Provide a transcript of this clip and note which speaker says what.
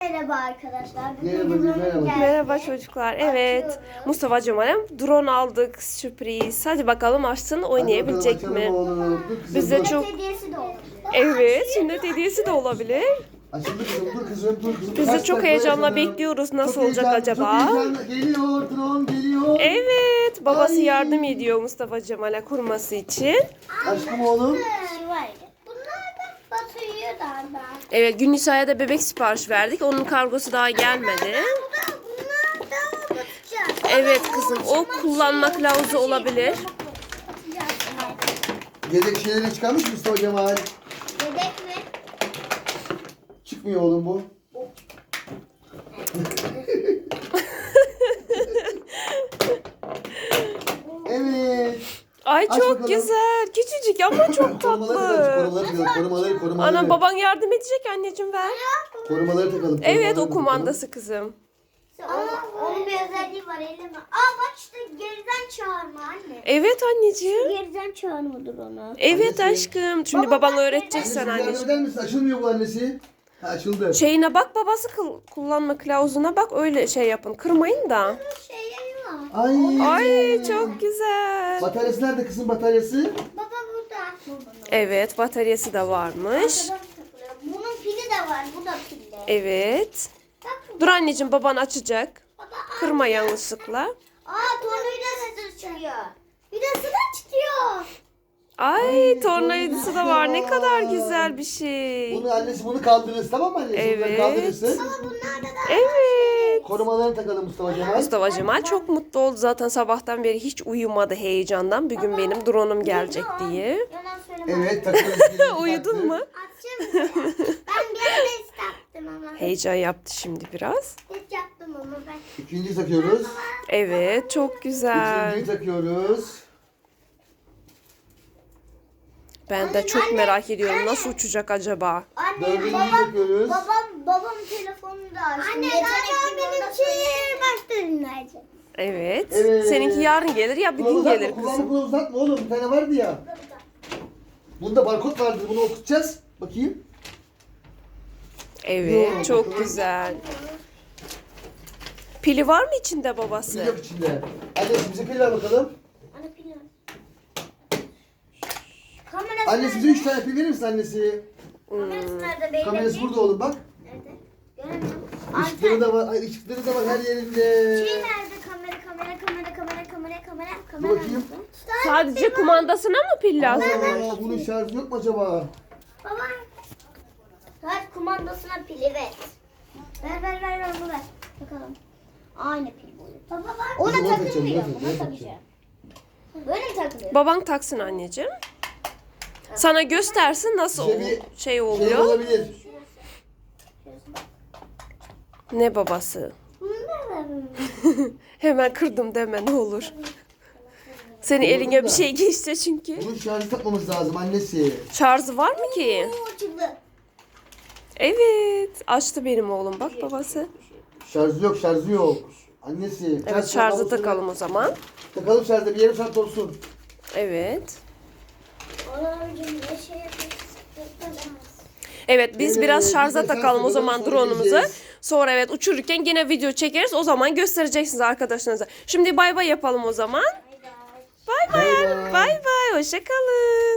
Speaker 1: Merhaba arkadaşlar.
Speaker 2: Merhaba.
Speaker 3: Merhaba çocuklar. Evet.
Speaker 1: Açıyorum.
Speaker 3: Mustafa Cemal'im drone aldık. Sürpriz. Hadi bakalım açsın oynayabilecek mi? Biz de çok...
Speaker 1: Hediyesi de olur.
Speaker 3: Evet. Sünnet hediyesi de olabilir.
Speaker 2: Açıldı kızım, dur kızım, dur kızım.
Speaker 3: Biz de
Speaker 2: Kaç
Speaker 3: çok
Speaker 2: dakika
Speaker 3: heyecanla
Speaker 2: yaşadın?
Speaker 3: bekliyoruz. Nasıl
Speaker 2: Çok
Speaker 3: olacak
Speaker 2: heyecanlı,
Speaker 3: acaba?
Speaker 2: Çok heyecanlı. Geliyor, drone geliyor.
Speaker 3: Evet. Babası
Speaker 2: Ay.
Speaker 3: yardım ediyor Mustafa Cemal'e kurması için.
Speaker 2: Aşkım oğlum.
Speaker 1: Bunlar da batıyor da.
Speaker 3: Evet. Günnisa'ya da bebek sipariş verdik. Onun kargosu daha gelmedi.
Speaker 1: Bunlar da batacak.
Speaker 3: Evet kızım. O kullanma kılavuzu olabilir.
Speaker 2: Yedek şeyleri çıkarmış mı Mustafa Cemal?
Speaker 1: Yedek mi?
Speaker 2: Çıkmıyor oğlum bu. Evet.
Speaker 3: Ay
Speaker 2: Aç
Speaker 3: çok
Speaker 2: bakalım.
Speaker 3: güzel. Küçücük ama çok tatlı.
Speaker 2: Korumaları.
Speaker 3: Ana baban yardım edecek anneciğim ver.
Speaker 2: Korumaları takalım.
Speaker 3: Evet
Speaker 2: korumaları
Speaker 3: o
Speaker 2: takalım.
Speaker 3: kumandası kızım.
Speaker 1: Ama onun bir özelliği var elime. Bak işte geriden çağırma anne.
Speaker 3: Evet anneciğim.
Speaker 1: Geriden çağırmadır onu.
Speaker 3: Evet
Speaker 2: Annesi.
Speaker 3: aşkım. Şimdi baban öğretecek
Speaker 2: Annesi,
Speaker 3: sana
Speaker 2: yardım
Speaker 3: anneciğim.
Speaker 2: eder misin? Açılmıyor bu annesi. Ha, açıldı.
Speaker 3: Şeyine bak babası kullanma kılavuzuna bak öyle şey yapın. Kırmayın da.
Speaker 1: Şeyleri var.
Speaker 2: Ay.
Speaker 3: Ay çok güzel.
Speaker 2: Bataryası nerede kızım bataryası?
Speaker 1: Baba burada.
Speaker 3: Evet bataryası da varmış.
Speaker 1: Arkadan takılıyor. Bunun pili de var. Bu da pilli.
Speaker 3: Evet.
Speaker 1: Bak.
Speaker 3: Dur anneciğim baban açacak.
Speaker 1: Baba.
Speaker 3: Kırma yanlışlıkla.
Speaker 1: Tornavida sesi çıkıyor. Bir de sıra çıkıyor.
Speaker 3: Ay tornavidası da var. Ne kadar güzel bir şey.
Speaker 2: Bunu annesi bunu kaldırırız tamam mı annesi? Bunları
Speaker 3: Evet.
Speaker 2: kaldırırsın.
Speaker 1: Ama bunlarda da
Speaker 3: Evet.
Speaker 2: Korumalarını takalım Mustafa Cemal.
Speaker 3: Mustafa Cemal çok mutlu oldu zaten sabahtan beri hiç uyumadı heyecandan. Bugün benim drone'um gelecek diye.
Speaker 1: yalan söyleme.
Speaker 2: Evet takıyoruz.
Speaker 3: Uyudun mu?
Speaker 1: Açacağım mı? Ben bir ara istedim ama.
Speaker 3: Heyecan yaptı şimdi biraz.
Speaker 1: Hiç yaptım ama ben.
Speaker 2: İkinciyi takıyoruz.
Speaker 3: Evet çok güzel.
Speaker 2: Üçüncüyü takıyoruz.
Speaker 3: Ben de çok merak ediyorum nasıl uçacak acaba?
Speaker 1: Anne
Speaker 2: Dördüncüyü
Speaker 1: babam,
Speaker 2: takıyoruz.
Speaker 1: babam telefonunu da açtı. Anne galiba benimki başta dinleyecek.
Speaker 3: Evet.
Speaker 2: Evet.
Speaker 3: Seninki yarın gelir ya bir gün gelir
Speaker 2: Kulağını
Speaker 3: kızım.
Speaker 2: kulağı uzatma oğlum. Bir tane vardı ya. Bunda barkod vardı. Bunu okutacağız. Bakayım.
Speaker 3: Evet çok güzel. Pili var mı içinde
Speaker 2: Pil
Speaker 3: babası?
Speaker 2: yok içinde. Annesi bize pil ver bakalım.
Speaker 1: Anne pil ver. Kamerası
Speaker 2: Annesi bize 3 tane pil verir misin annesi?
Speaker 1: Kamerası nerede beyler?
Speaker 2: Kamerası burada oğlum bak.
Speaker 1: Nerede? Göremiyorum.
Speaker 2: Işıkları da var. Ay, ışıkları da var her yerinde.
Speaker 1: Şey nerede? Kamera.
Speaker 2: Dur bakayım.
Speaker 3: Sadece kumandasına mı pil lazım?
Speaker 2: Aa, bunun şarjı yok mu acaba?
Speaker 1: Baba. Saat kumandasına pili ver. Ver bunu ver. Bakalım. Aynı pil boyu. Baba var. Ona
Speaker 2: Biz ona takacağım,
Speaker 1: takılmıyor.
Speaker 2: ona
Speaker 1: Buna
Speaker 2: takacağım.
Speaker 1: takacağım. Böyle mi takılıyor?
Speaker 3: Baban taksın anneciğim. Sana göstersin nasıl
Speaker 2: Bize bir
Speaker 3: şey
Speaker 2: Şey
Speaker 3: oluyor.
Speaker 2: olabilir.
Speaker 3: Ne babası?
Speaker 1: Bunu da ver.
Speaker 3: Hemen kırdım deme ne olur. Senin eline bir şey geçti çünkü.
Speaker 2: Bunun şarjı takmamız lazım annesi.
Speaker 3: Şarjı var mı ki?
Speaker 1: Oo, açıldı.
Speaker 3: Evet. Açtı benim oğlum bak babası.
Speaker 2: Şarjı yok. Annesi.
Speaker 3: Evet şarjı takalım o zaman.
Speaker 2: Takalım şarjı bir yarım saat olsun.
Speaker 3: Evet.
Speaker 1: Oğlum ne şey yapıyorsun?
Speaker 3: Evet biz
Speaker 2: Evet,
Speaker 3: biraz
Speaker 2: biz
Speaker 3: şarja
Speaker 2: de
Speaker 3: takalım o
Speaker 2: şarj
Speaker 3: zaman
Speaker 2: takalım, sonra
Speaker 3: drone'umuzu.
Speaker 2: geleceğiz.
Speaker 3: Sonra evet uçururken yine video çekeriz. O zaman göstereceksiniz arkadaşlarınıza. Şimdi bay bay yapalım o zaman. Bay bay.
Speaker 2: Bay bay.
Speaker 3: Bay bay. Hoşça kalın.